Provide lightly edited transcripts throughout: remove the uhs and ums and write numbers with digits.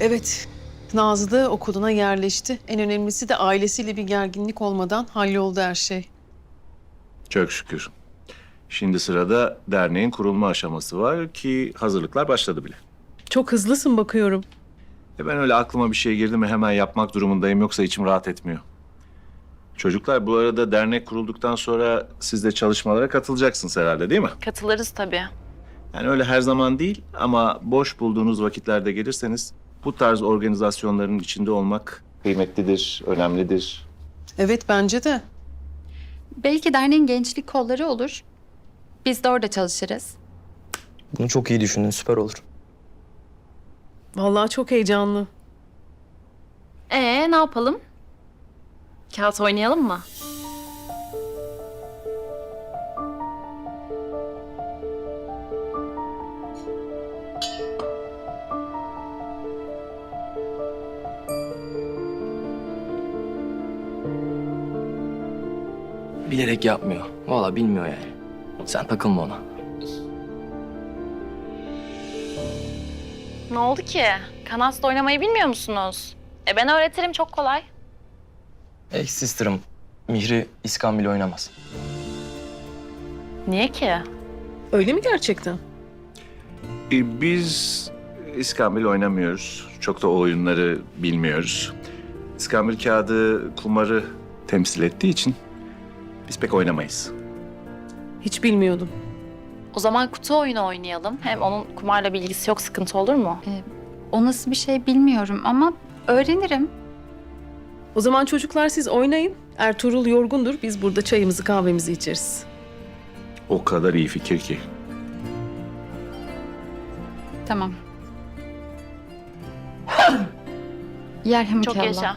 Evet, Nazlı okuluna yerleşti. En önemlisi de ailesiyle bir gerginlik olmadan halloldu her şey. Çok şükür. Şimdi sırada derneğin kurulma aşaması var ki hazırlıklar başladı bile. Çok hızlısın bakıyorum. Ben öyle aklıma bir şey girdi mi hemen yapmak durumundayım yoksa içim rahat etmiyor. Çocuklar bu arada dernek kurulduktan sonra siz de çalışmalara katılacaksınız herhalde değil mi? Katılırız tabii. Yani öyle her zaman değil ama boş bulduğunuz vakitlerde gelirseniz bu tarz organizasyonların içinde olmak kıymetlidir, önemlidir. Evet, bence de. Belki derneğin gençlik kolları olur. Biz de orada çalışırız. Bunu çok iyi düşündün, süper olur. Vallahi çok heyecanlı. Ne yapalım? Kağıt oynayalım mı? Bilerek yapmıyor. Vallahi bilmiyor yani. Sen takılma ona. Ne oldu ki? Kanasta oynamayı bilmiyor musunuz? Ben öğretirim, çok kolay. Sister'ım, Mihri İskambil oynamaz. Niye ki? Öyle mi gerçekten? Biz İskambil oynamıyoruz. Çok da o oyunları bilmiyoruz. İskambil kağıdı kumarı temsil ettiği için biz pek oynamayız. Hiç bilmiyordum. O zaman kutu oyunu oynayalım. Hem onun kumarla bilgisi yok, sıkıntı olur mu? O nasıl bir şey bilmiyorum ama öğrenirim. O zaman çocuklar siz oynayın. Ertuğrul yorgundur. Biz burada çayımızı kahvemizi içeriz. O kadar iyi fikir ki. Tamam. Yerhamukallah. Çok yaşa.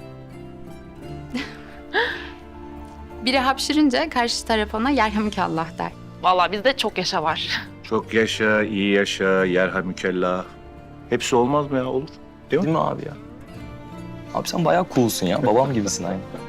Biri hapşırınca karşı taraf ona yerhamukallah der. Vallahi bizde çok yaşa var. Çok yaşa, iyi yaşa, yerhamükellah. Hepsi olmaz mı ya? Olur. Değil mi? Değil mi abi ya? Abi sen bayağı coolsun ya. Babam gibisin aynı.